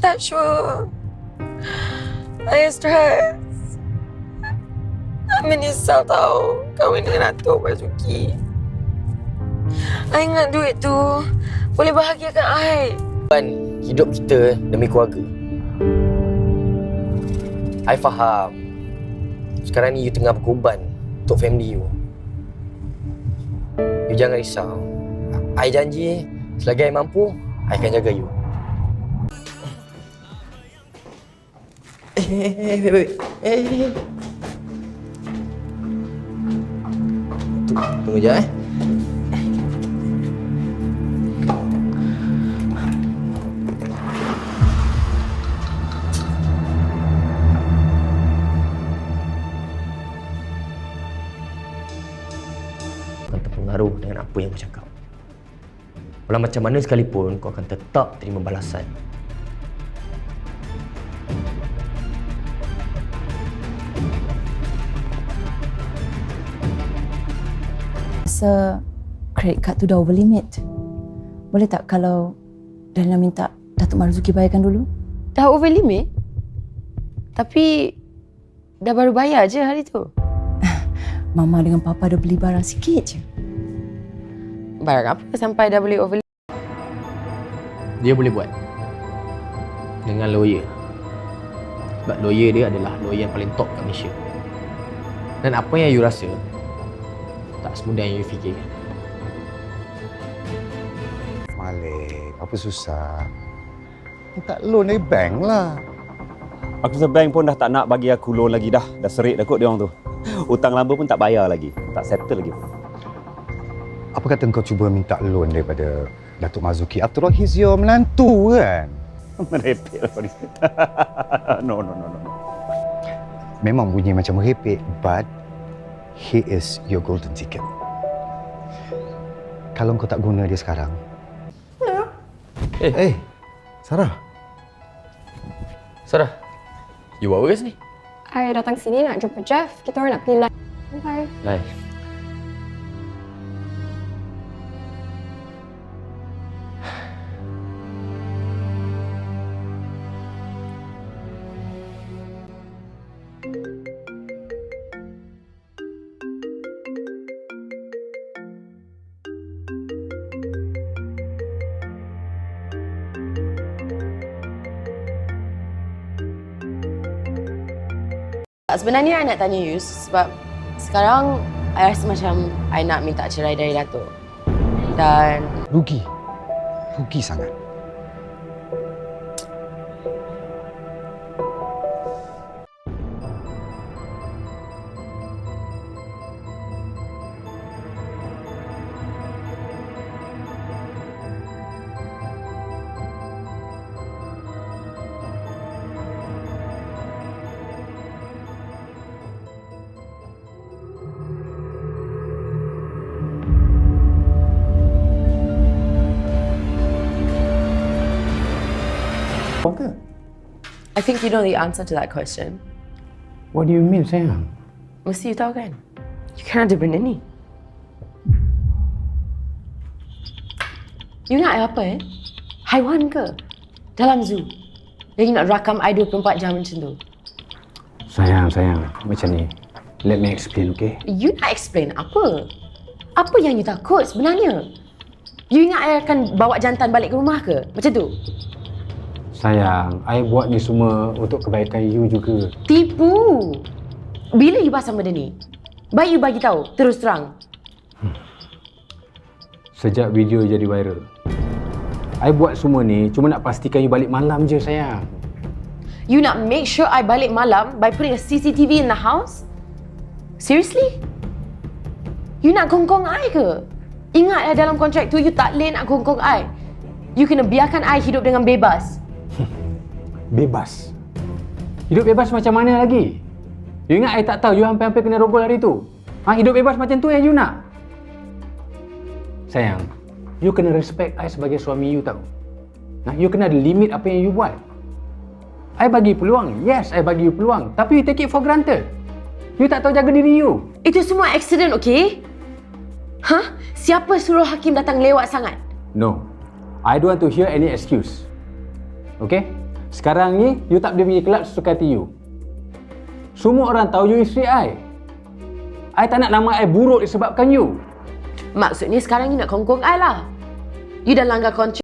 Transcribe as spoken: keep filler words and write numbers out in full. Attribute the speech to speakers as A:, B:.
A: tak sure. I stress. I menyesal tau kahwin dengan Datuk Marzuki. I ingat duit tu boleh bahagiakan I.
B: Hidup kita demi keluarga. I faham. Sekarang ni you tengah berkorban untuk family you. You jangan risau. I janji selagi I mampu, I akan jaga you. Eh, eh, eh, eh, eh, eh. Tunggu je eh. Akan terpengaruh dengan apa yang kau cakap. Walau macam mana sekalipun, kau akan tetap terima balasan.
C: Rasa credit card tu dah over limit. Boleh tak kalau Daniel minta Datuk Marzuki bayarkan dulu?
A: Dah over limit? Tapi dah baru bayar je hari tu.
C: Mama dengan Papa dah beli barang sikit je.
A: Barang apa sampai dah boleh over limit?
B: Dia boleh buat dengan lawyer. Sebab lawyer dia adalah lawyer yang paling top kat Malaysia. Dan apa yang you rasa tak semudah yang you fikirkan.
D: Malik, apa susah? Minta loan dari bank lah.
E: Aku rasa bank pun dah tak nak bagi aku loan lagi dah. Dah serik dah kot dia orang tu. Hutang lama pun tak bayar lagi. Tak settle lagi pun.
D: Apa kata kau cuba minta loan daripada Datuk Marzuki? After all, he's your menantu kan?
E: Merepek lah kau ni. No, no, no, no.
D: Memang bunyi macam merepek, but he is your golden ticket. Kalau kau tak guna dia sekarang.
B: Eh,
D: Eh, Sarah.
B: Sarah, you buat apa kat sini?
F: I datang sini nak jumpa Jeff. Kita orang nak pergi live. Bye.
B: Lai.
A: Sebenarnya I nak tanya you sebab sekarang I rasa macam I nak minta cerai dari Datuk. Dan
D: Rugi. Rugi sangat.
A: I think you know the answer to that question.
G: What do you mean, sayang?
A: Mesti you tahu kan? You kan ada benda ni. You nak I apa eh? Haiwan ke? Dalam zoo. Lagi nak rakam I dua puluh empat jam macam tu.
G: Sayang, sayang. Macam ni. Let me explain, okay?
A: You nak explain apa? Apa yang you takut sebenarnya? You ingat I akan bawa jantan balik ke rumah ke? Macam tu?
G: Sayang, I buat ni semua untuk kebaikan you juga.
A: Tipu! Bila you pasang benda ni? Baik you bagi tahu, terus terang.
G: Sejak video jadi viral, I buat semua ni cuma nak pastikan you balik malam je, sayang.
A: You nak make sure I balik malam by putting a C C T V in the house? Seriously? You nak gongkong I ke? Ingat ya dalam kontrak tu you tak boleh nak gongkong I. You kena biarkan I hidup dengan bebas.
G: Bebas? Hidup bebas macam mana lagi? You ingat I tak tahu you hampir-hampir kena rogol hari tu? Ha, hidup bebas macam tu yang you nak? Sayang, you kena respect I sebagai suami you tahu. Nah, you kena ada limit apa yang you buat. I bagi peluang. Yes, I bagi you peluang. Tapi you take it for granted. You tak tahu jaga diri you.
A: Itu semua accident, okay? Hah? Siapa suruh Hakim datang lewat sangat?
G: No. I don't want to hear any excuse. Okay? Sekarang ni, you tak boleh pergi kelab sesuka hati you. Semua orang tahu you isteri I. I tak nak nama I buruk disebabkan you.
A: Maksudnya sekarang you nak kongkong I lah. You dah langgar kontrak